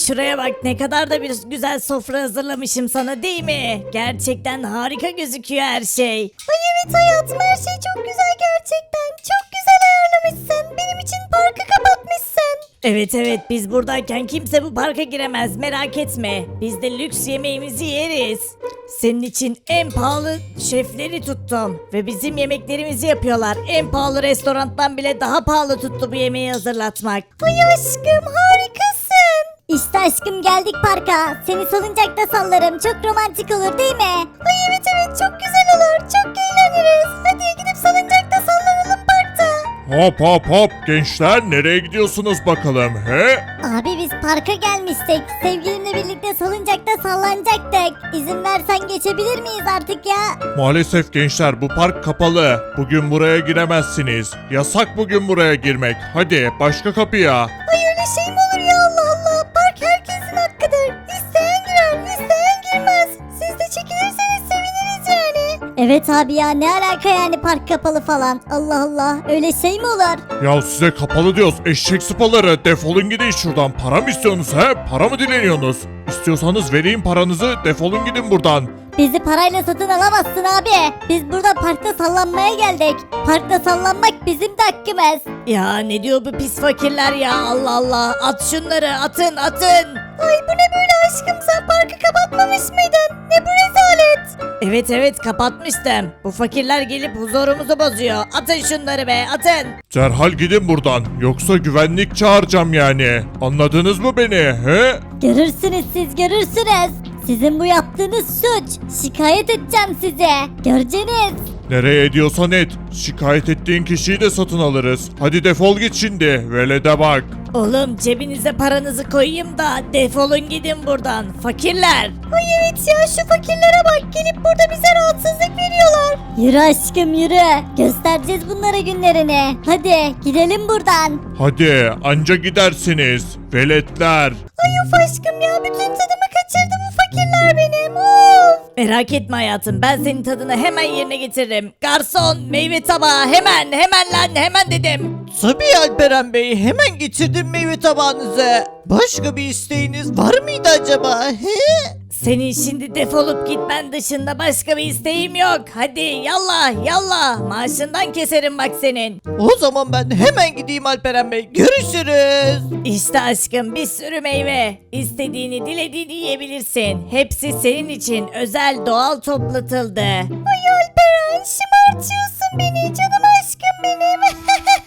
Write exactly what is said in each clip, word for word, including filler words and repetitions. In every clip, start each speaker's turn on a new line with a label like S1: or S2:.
S1: şuraya bak, ne kadar da bir güzel sofra hazırlamışım sana, değil mi? Gerçekten harika gözüküyor her şey.
S2: Ay evet hayatım, her şey çok güzel gerçekten. Çok güzel ayarlamışsın. Benim için parkı kapatmışsın.
S1: Evet evet, biz buradayken kimse bu parka giremez, merak etme. Biz de lüks yemeğimizi yeriz. Senin için en pahalı şefleri tuttum ve bizim yemeklerimizi yapıyorlar. En pahalı restorandan bile daha pahalı tuttu bu yemeği hazırlatmak.
S2: Ay aşkım, harikasın. İşte aşkım, geldik parka. Seni salıncakta sallarım. Çok romantik olur değil mi? Ay evet evet, çok güzel olur. Çok eğleniriz. Hadi gidip salıncakta sallanalım parkta.
S3: Hop hop hop gençler, nereye gidiyorsunuz bakalım he?
S2: Abi biz parka gelmiştik. Sevgilimle birlikte salıncakta sallanacaktık. İzin versen geçebilir miyiz artık ya?
S3: Maalesef gençler, bu park kapalı. Bugün buraya giremezsiniz. Yasak bugün buraya girmek. Hadi başka kapıya.
S2: Ay öyle şey mi olur ya, Allah Allah. Park herkesin hakkıdır. İsteyen girer, isteyen girmez. Siz de çekilirseniz seviniriz yani. Evet abi ya, ne alaka yani park kapalı falan. Allah Allah, öyle şey mi olur?
S3: Ya size kapalı diyoruz eşek sıpaları, defolun gidin şuradan. Para mı istiyorsunuz he? Para mı dileniyorsunuz? İstiyorsanız vereyim paranızı, defolun gidin buradan.
S2: Bizi parayla satın alamazsın abi. Biz burada parkta sallanmaya geldik. Parkta sallanmak bizim de hakkımız.
S1: Ya ne diyor bu pis fakirler ya, Allah Allah. At şunları, atın atın.
S2: Ay bu ne böyle aşkım, sen parkı kapatmamış mıydın? Ne bu rezalet?
S1: Evet evet, kapatmıştım. Bu fakirler gelip huzurumuzu bozuyor. Atın şunları be, atın.
S3: Derhal gidin buradan, yoksa güvenlik çağıracağım yani. Anladınız mı beni he?
S2: Görürsünüz siz, görürsünüz. Sizin bu yaptığınız suç. Şikayet edeceğim size. Göreceğiniz.
S3: Nereye ediyorsan et. Şikayet ettiğin kişiyi de satın alırız. Hadi defol git şimdi. Velede bak.
S1: Oğlum cebinize paranızı koyayım da defolun gidin buradan. Fakirler.
S2: Ay evet ya, şu fakirlere bak, gelip burada bize rahatsızlık veriyorlar. Yürü aşkım yürü. Göstereceğiz bunlara günlerini. Hadi gidelim buradan.
S3: Hadi anca gidersiniz. Veletler.
S2: Ay of aşkım ya, bütün tadımı kaçırdı bu fakirler benim. Of.
S1: Merak etme hayatım, ben senin tadını hemen yerine getiririm. Garson, meyve tabağı, hemen hemen lan, hemen dedim.
S4: Tabii Alperen Bey, hemen getirdim meyve tabağınızı. Başka bir isteğiniz var mıydı acaba? He?
S1: Senin şimdi defolup gitmen dışında başka bir isteğim yok. Hadi yallah yallah, maaşından keserim bak senin.
S4: O zaman ben hemen gideyim Alperen Bey. Görüşürüz.
S1: İşte aşkım, bir sürü meyve. İstediğini dilediğini yiyebilirsin. Hepsi senin için özel doğal toplatıldı.
S2: Ay Alperen, şımartıyorsun beni, canım aşkım benim.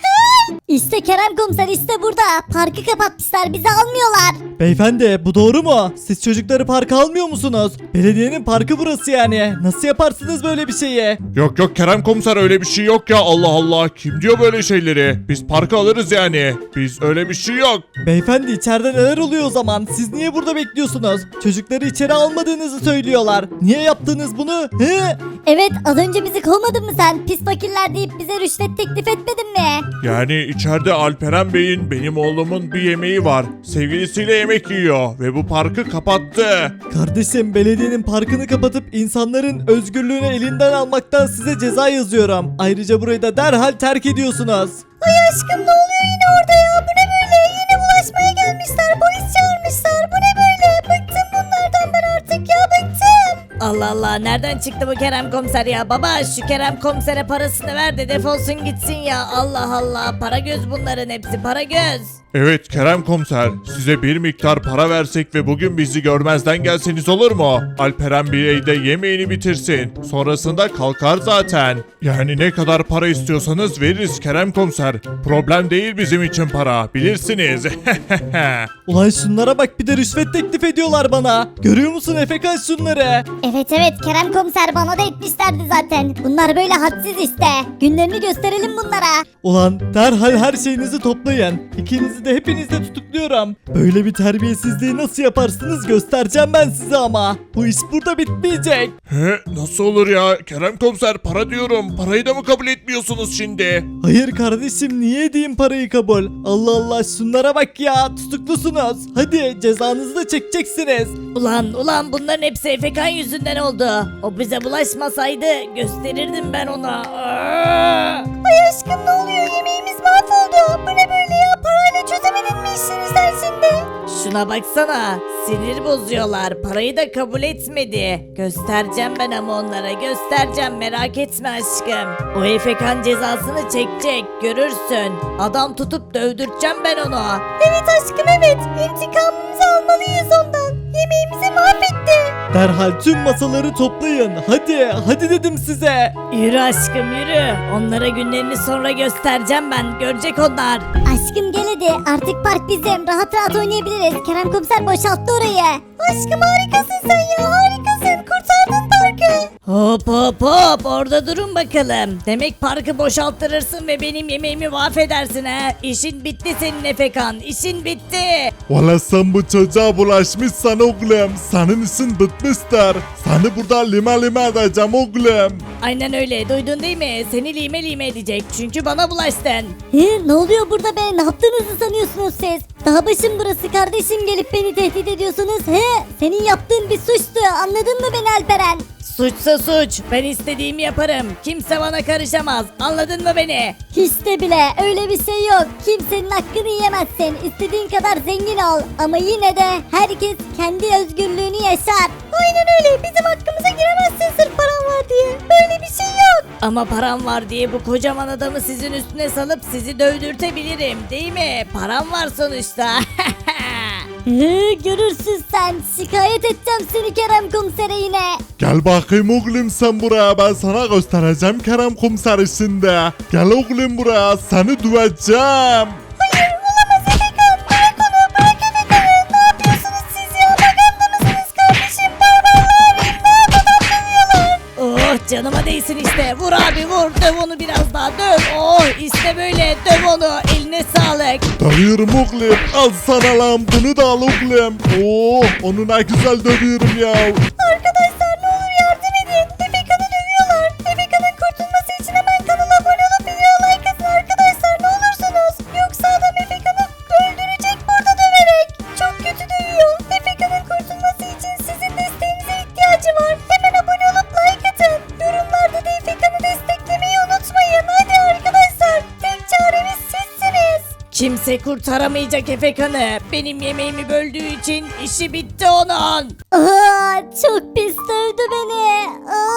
S2: İşte Kerem komiser, işte burada. Parkı kapatmışlar, bizi almıyorlar.
S5: Beyefendi, bu doğru mu? Siz çocukları parka almıyor musunuz? Belediyenin parkı burası yani. Nasıl yaparsınız böyle bir şeyi?
S3: Yok yok Kerem komiser, öyle bir şey yok ya, Allah Allah. Kim diyor böyle şeyleri? Biz parka alırız yani. Biz öyle bir şey yok.
S5: Beyefendi, içeride neler oluyor o zaman? Siz niye burada bekliyorsunuz? Çocukları içeri almadığınızı söylüyorlar. Niye yaptınız bunu? He?
S2: Evet, az önce bizi kovmadın mı sen? Pis fakirler deyip bize rüşvet teklif etmedin mi?
S3: Yani içeride Alperen Bey'in, benim oğlumun bir yemeği var. Sevgilisiyle yemek yiyor ve bu parkı kapattı.
S5: Kardeşim, belediyenin parkını kapatıp insanların özgürlüğünü elinden almaktan size ceza yazıyorum. Ayrıca burayı da derhal terk ediyorsunuz.
S2: Ay aşkım, ne oluyor yine orada ya? Bu ne böyle? Yine bulaşmaya gelmişler. Polis çağırmışlar. Bu ne böyle? Bıktım bunlardan ben artık ya, bıktım.
S1: Allah Allah, nereden çıktı bu Kerem komiser ya? Baba, şu Kerem komisere parasını ver de defolsun gitsin ya. Allah Allah, para göz bunların hepsi, para göz.
S3: Evet Kerem komiser, size bir miktar para versek ve bugün bizi görmezden gelseniz olur mu? Alperen Bey de yemeğini bitirsin. Sonrasında kalkar zaten. Yani ne kadar para istiyorsanız veririz Kerem komiser. Problem değil bizim için para, bilirsiniz.
S5: Ulan şunlara bak, bir de rüşvet teklif ediyorlar bana. Görüyor musun Efekan şunları?
S2: Evet evet, Kerem komiser bana da etmişlerdi zaten. Bunlar böyle hadsiz işte. Günlerini gösterelim bunlara.
S5: Ulan derhal her şeyinizi toplayın. İkinizi de hepinizi de tutukluyorum. Böyle bir terbiyesizliği nasıl yaparsınız göstereceğim ben size ama. Bu iş burada bitmeyecek.
S3: He, nasıl olur ya Kerem komiser, para diyorum. Parayı da mı kabul etmiyorsunuz şimdi?
S5: Hayır kardeşim, niye edeyim parayı kabul? Allah Allah, şunlara bak ya, tutuklusunuz. Hadi cezanızı da çekeceksiniz.
S1: Ulan ulan, bunların hepsi Efekan yüzünden oldu. O bize bulaşmasaydı gösterirdim ben ona. Aa!
S2: Ay aşkım, ne oluyor? Yemeğimiz mahvoldu. Bu ne böyle ya? Parayla çözemedin mi işini sen şimdi?
S1: Şuna baksana. Sinir bozuyorlar. Parayı da kabul etmedi. Göstereceğim ben ama onlara. Göstereceğim. Merak etme aşkım. O Efekan cezasını çekecek. Görürsün. Adam tutup dövdürteceğim ben onu.
S2: Evet aşkım evet. İntikamımızı almalıyız ondan. Yemeğimizi mahvetti.
S5: Derhal tüm masaları toplayın. Hadi, hadi dedim size.
S1: Yürü aşkım yürü. Onlara günlerini sonra göstereceğim ben. Görecek onlar.
S2: Aşkım gel hadi. Artık park bizim. Rahat rahat oynayabiliriz. Kerem komiser boşalttı orayı. Aşkım harikasın sen ya. Harikasın. Kurtardın parkı.
S1: Hop hop hop orada durun bakalım. Demek parkı boşalttırırsın ve benim yemeğimi mahvedersin ha. İşin bitti senin Efekan. İşin bitti.
S3: Valla sen bu çocuğa bulaşmışsan oğlum. Senin işin bitmiştir. Seni burada lima lima edeceğim oğlum.
S1: Aynen öyle duydun değil mi? Seni lime lime edecek çünkü bana bulaştın.
S2: He, ne oluyor burada be? Ne yaptığınızı sanıyorsunuz siz? Daha başım burası kardeşim gelip beni tehdit ediyorsunuz. He, senin yaptığın bir suçtu. Anladın mı beni Alperen?
S1: Suçsa suç. Ben istediğimi yaparım. Kimse bana karışamaz. Anladın mı beni?
S2: Hiç de bile öyle bir şey yok. Kimsenin hakkını yiyemezsin. İstediğin kadar zengin ol. Ama yine de herkes kendi özgürlüğünü yaşar. Aynen öyle. Bizim hakkımıza giremezsin sırf paran var diye. Böyle bir şey yok.
S1: Ama param var diye bu kocaman adamı sizin üstüne salıp sizi dövdürtebilirim. Değil mi? Param var sonuçta.
S2: Hı, görürsün sen. Şikayet edeceğim seni Kerem komisere yine.
S3: Gel bakayım oğlum sen buraya, ben sana göstereceğim Kerem komiser işinde. Gel oğlum buraya, seni döveceğim.
S2: Hayır olamaz Efekan. Bırak onu. Bırak Efekan'ı. Ne yapıyorsunuz siz ya? Maganda mısınız kardeşim? Barbarlar. İmdat adam dövüyorlar.
S1: Oh canıma değsin işte. Vur abi vur. Döv onu biraz daha döv. Oh işte böyle döv onu. Eline sağlık.
S3: Dövüyorum oğlum, al sana lan, bunu da al oğlum. Oo, onu ne güzel dövüyorum ya.
S2: Arkadaşlar ne olur yardım edin. Efekan'ı dövüyorlar. Efekan'ın kurtulması için hemen kanala abone olup video like atın arkadaşlar ne olursunuz. Yoksa adam Efekan'ı öldürecek burada döverek. Çok kötü dövüyor. Efekan'ın kurtulması için sizin desteğinize ihtiyacı var. Hemen abone olup like atın. Yorumlarda da Efekan'ı desteklemeyi unutmayın. Hadi arkadaşlar. Tek çaremiz sizsiniz.
S1: Kimse kurtaramayacak Efekan'ı. Benim yemeğimi böldüğü için işi bitti onun.
S2: Aa, çok pis dövdü beni.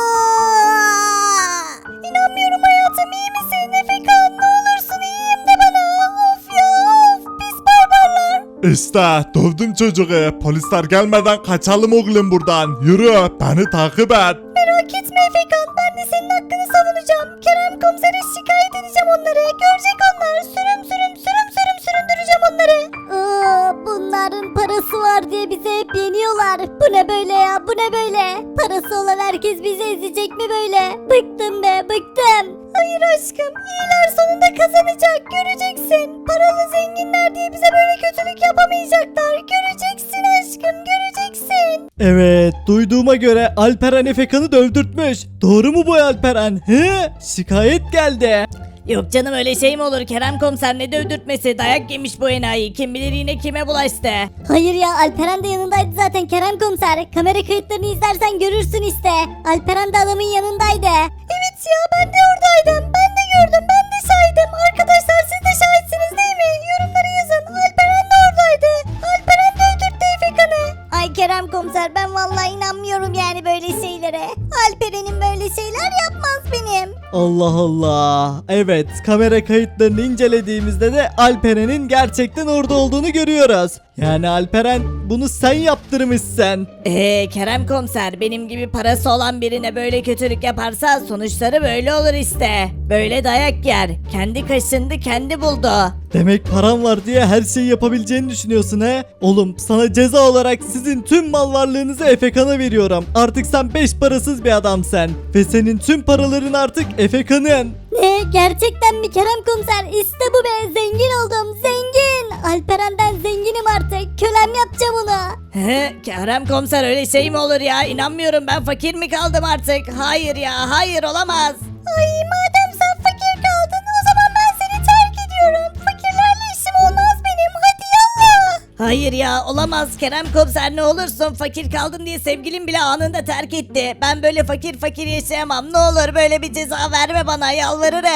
S2: Aa! İnanmıyorum hayatım iyi misin Efekan? Ne olursun iyiyim de bana. Of ya of pis barbarlar.
S3: İşte dövdüm çocuğu. Polisler gelmeden kaçalım oğlum buradan. Yürü, beni takip et.
S2: Merak etme Efekan ben de senin hakkını savunacağım. Kerem komisere şikayet edeceğim onları. Görecek onlar. Sürüm sürüm sürüm sürüm süründüreceğim onları. Aa, bunların parası var diye bizi hep yeniyorlar. Bu ne böyle ya bu ne böyle? Parası olan herkes bizi ezecek mi böyle? Bıktım be bıktım. Hayır aşkım iyiler sonunda kazanacak göreceksin. Paralı zenginler diye bize böyle kötülük yapamayacaklar. Göreceksin aşkım göreceksin.
S5: Evet, duyduğuma göre Alperen Efekan'ı dövdürtmüş. Doğru mu bu Alperen? He? Şikayet geldi.
S1: Yok canım öyle şey mi olur Kerem komiser ne dövdürtmesi dayak yemiş bu enayi kim bilir yine kime bulaştı.
S2: Hayır ya Alperen de yanındaydı zaten Kerem komiser. Kamera kayıtlarını izlersen görürsün işte. Alperen de adamın yanındaydı. Evet ya ben de oradaydım. Ben de gördüm ben de şahidim. Arkadaşlar siz de şahitsiniz değil mi? Yorumlara yazın. Alperen de oradaydı. Alperen de öldürttü Efekan'ı. Ay Kerem komiser ben vallahi inanmıyorum yani böyle şeylere. Alperen'in böyle şeyler yapmaz benim.
S5: Allah Allah. Evet, kamera kayıtlarını incelediğimizde de Alperen'in gerçekten orada olduğunu görüyoruz. Yani Alperen bunu sen yaptırmışsın.
S1: Eee Kerem komiser benim gibi parası olan birine böyle kötülük yaparsa sonuçları böyle olur işte. Böyle dayak yer. Kendi kaşındı kendi buldu.
S5: Demek param var diye her şeyi yapabileceğini düşünüyorsun he? Oğlum sana ceza olarak sizin tüm mal varlığınızı Efekan'a veriyorum. Artık sen beş parasız bir adamsın. Ve senin tüm paraların artık Efekan'ın.
S2: Ne gerçekten mi Kerem komiser? İşte bu be zengin oldum zengin. Alperen'den zenginim artık. Kölem yapacağım onu.
S1: He, Kerem komiser öyle şey mi olur ya? İnanmıyorum ben fakir mi kaldım artık? Hayır ya hayır olamaz.
S2: Ay madem sen fakir kaldın o zaman ben seni terk ediyorum. Fakirlerle işim olmaz benim hadi yallah.
S1: Hayır ya olamaz Kerem komiser ne olursun fakir kaldım diye sevgilim bile anında terk etti. Ben böyle fakir fakir yaşayamam ne olur böyle bir ceza verme bana yalvarırım.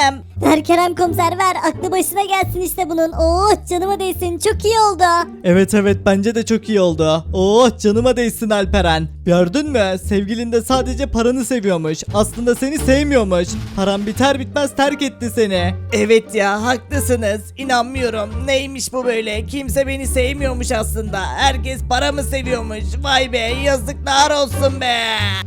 S2: Ver Kerem komiser ver. Aklı başına gelsin işte bunun. Oh canıma değsin. Çok iyi oldu.
S5: Evet evet bence de çok iyi oldu. Oh canıma değsin Alperen. Gördün mü? Sevgilin de sadece paranı seviyormuş. Aslında seni sevmiyormuş. Paran biter bitmez terk etti seni.
S4: Evet ya haklısınız. İnanmıyorum. Neymiş bu böyle? Kimse beni sevmiyormuş aslında. Herkes paramı seviyormuş. Vay be yazıklar olsun be.